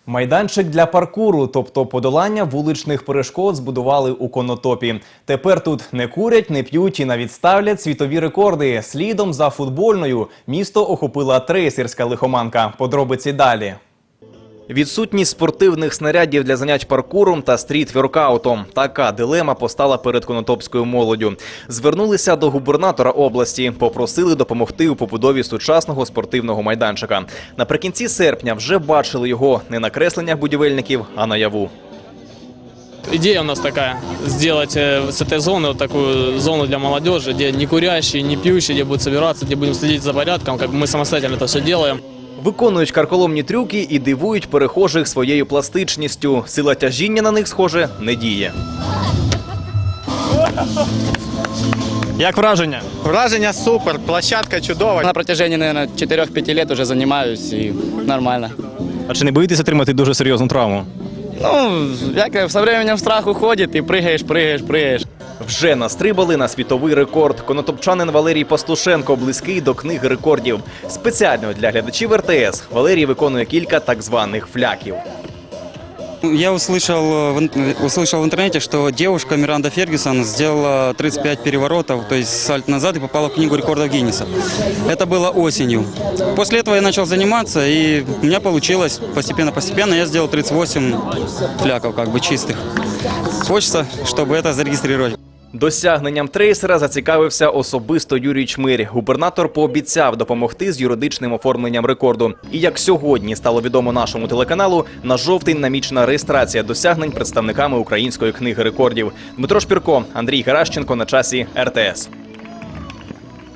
Майданчик для паркуру, тобто подолання вуличних перешкод, збудували у Конотопі. Тепер тут не курять, не п'ють і навіть ставлять світові рекорди. Слідом за футбольною місто охопила трейсерська лихоманка. Подробиці далі. Відсутність спортивних снарядів для занять паркуром та стріт-воркаутом. Така дилема постала перед конотопською молоддю. Звернулися до губернатора області, попросили допомогти у побудові сучасного спортивного майданчика. Наприкінці серпня вже бачили його не на кресленнях будівельників, а наяву. Идея у нас такая – сделать с этой зоны вот такую зону для молодежи, где не курящие, не пьющие, где будут собираться, где будем следить за порядком, как бы мы самостоятельно это все делаем. Виконують карколомні трюки і дивують перехожих своєю пластичністю. Сила тяжіння на них, схоже, не діє. Як враження? Враження супер, площадка чудова. На протяжении, наверное, 4-5 лет уже занимаюсь и нормально. А чи не боїтеся отримати дуже серйозну травму? Ну, як со временем страх уходит и прыгаешь. Вже настрибали на світовий рекорд. Конотопчанин Валерій Пастушенко близький до книги рекордів. Спеціально для глядачів РТС Валерій виконує кілька так званих фляків. Я услышал в интернете, что девушка Миранда Фергюсон сделала 35 переворотов, то есть сальто назад, и попала в книгу рекордов Гиннесса. Это было осенью. После этого я начал заниматься, и у меня получилось постепенно. Я сделал 38 фляков, как бы чистых. Хочется, чтобы это зарегистрировать. Досягненням трейсера зацікавився особисто Юрій Чмирь. Губернатор пообіцяв допомогти з юридичним оформленням рекорду. І як сьогодні стало відомо нашому телеканалу, на жовтень намічена реєстрація досягнень представниками Української книги рекордів. Дмитро Шпірко, Андрій Геращенко. На часі РТС.